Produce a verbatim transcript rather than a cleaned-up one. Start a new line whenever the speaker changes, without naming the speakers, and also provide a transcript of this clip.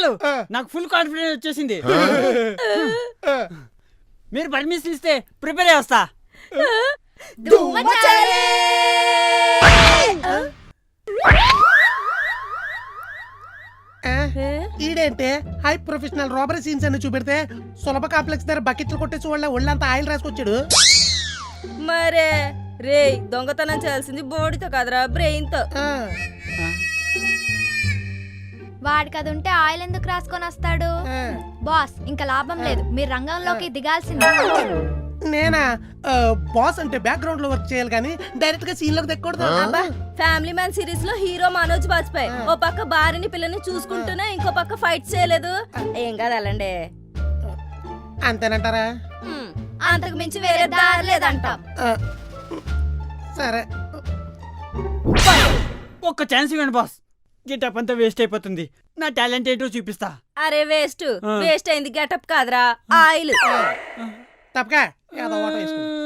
చాలు నాకు full confidence వచ్చేసింది. మీరు పర్మిషన్ ఇస్తే ప్రిపేర్ చేస్తా.
ఈడేంటే హై ప్రొఫెషనల్ రాబరీ సీన్స్ అని చూపెడితే సులభ కాంప్లెక్స్ దగ్గర బకెట్లు కొట్టేసి వాళ్ళ ఒళ్ళంతా ఆయిల్ రాసుకొచ్చాడు.
మరే రే దొంగతనం చేయాల్సింది బోడితో కదరా బ్రెయిన్ తో.
వాడికి అది ఉంటే ఆయిల్ ఎందుకు రాసుకొని వస్తాడు? బాస్ ఇంకా లాభం లేదు, మీరు రంగంలోకి దిగాల్సిందే.
నేనా? బాస్ అంటే బ్యాక్గ్రౌండ్ లో వర్క్ చేయాలి కానీ డైరెక్ట్ గా సీన్ లోకి తెక్కూడదు.
ఫ్యామిలీ మ్యాన్ సిరీస్ లో హీరో మనోజ్ బాజ్పేయి ఓ పక్క భార్యని పిల్లని చూసుకుంటూనే ఇంకో పక్క ఫైట్ చేయలేదు. ఏం కాదు అలాండే.
అంతేనంటారా?
అంతకు మించి వేరే దారి లేదంటాం.
సరే
ఒక్క ఛాన్స్ ఇవ్వండి బాస్. గెటప్ అంతా వేస్ట్ అయిపోతుంది. నా టాలెంట్ ఏంటో చూపిస్తా.
అరే వేస్ట్ వేస్ట్ అయింది గెటప్ కాదురా ఆయిల్.
తప్పగా ఏదో ఓట వేసుకో.